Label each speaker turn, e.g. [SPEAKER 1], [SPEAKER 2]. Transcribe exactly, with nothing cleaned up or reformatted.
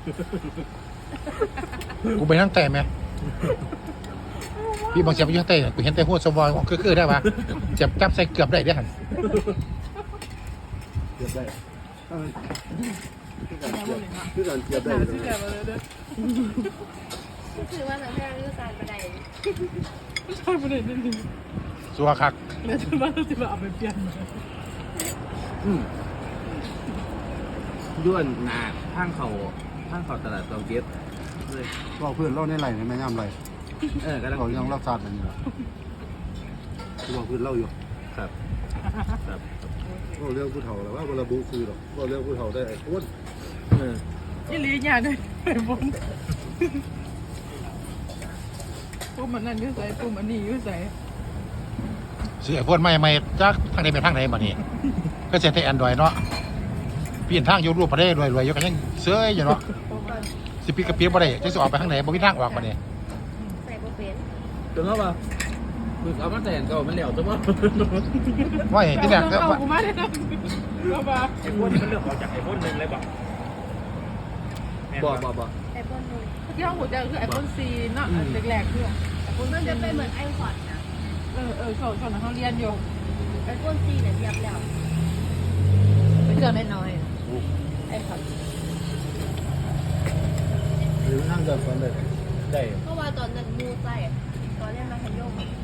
[SPEAKER 1] กูไปนั่งแต่ไหมพี่บางเสียบอยู่เต้กูเห็นแต่หัวสวอยคือคือได้ปะเสียบจับใส่เกือบได้ได้หัน
[SPEAKER 2] เทียบได้คือการเทียบได้
[SPEAKER 3] คือว่าเราไม่ได้รู้การบันได
[SPEAKER 4] ใช่ประเด็นนี้
[SPEAKER 1] สัวคัก
[SPEAKER 4] แล้วจะมาจะมาเอาไปเปลี่ยน
[SPEAKER 5] ด้วนหนาข้างเขาข้างเขาตลาดเตาเก็บเลย
[SPEAKER 2] เราเพื่อนเราในไหลในแม่ย่ำไหล
[SPEAKER 5] เออกำลัง
[SPEAKER 2] เรายังรักษาแบบนี้ละเราเพื่อนเราอยู่
[SPEAKER 5] ครับครับ
[SPEAKER 2] เราเรื่องผู้เฒ่าแล้วว่าเวลาบูคือหรอกเราเรื่องผู้เฒ่าได้ไอ้คน
[SPEAKER 5] เออ
[SPEAKER 4] ยี่ลีหยาด้วยไอ้บนปุ่มมันนั่นยุ่ใส่ปุ่มอันนี้ยุ่ใส่
[SPEAKER 1] เสียพวดไม่ไม่จักทางใดไปทางไหนมานี่ก็เสียแต่แอนดรอยเนาะพี่เห็นทางอยู่รูปพอได้รวยรวยอยู่กันยังเสื้ออยู่เนาะสิปีกระเปียบบ่ได้จะสิออกไปทางไหนบ่มีทางออกมาเนี่ย
[SPEAKER 3] ใส่โปรเป็น
[SPEAKER 5] จนเขาว่าคือเอามาแต่งเก่ามันเหลวตัวมั้ง
[SPEAKER 1] ว่าเห็นที่เนี่ยก็
[SPEAKER 4] เอา
[SPEAKER 1] ว่า
[SPEAKER 4] กูมาเลยนะเราบ้า
[SPEAKER 6] ไอ้พวกนี้มันเลือกออกจากไอ้พวกหนึ่งเลยบอก
[SPEAKER 5] บ่บ่บ่
[SPEAKER 3] ไอโฟนหนึ่ง
[SPEAKER 4] ที่ห้องหัวใจคือไอโฟนซีเนาะแรกๆคือไอโฟน
[SPEAKER 3] มันจะเป็นเหมือนไอพอดนะ
[SPEAKER 4] เออเออเขาเขาเขาเรียนอยู่
[SPEAKER 3] ไอโฟนซีเนี่ยเทียบแล้ว
[SPEAKER 4] เป็นเครื่องน้อยไอพอด
[SPEAKER 2] หรือทางเดินตอนเด็ก
[SPEAKER 6] ได้
[SPEAKER 3] เพราะว่าตอนนั้นมูใจตอนเล่นมาทันโยก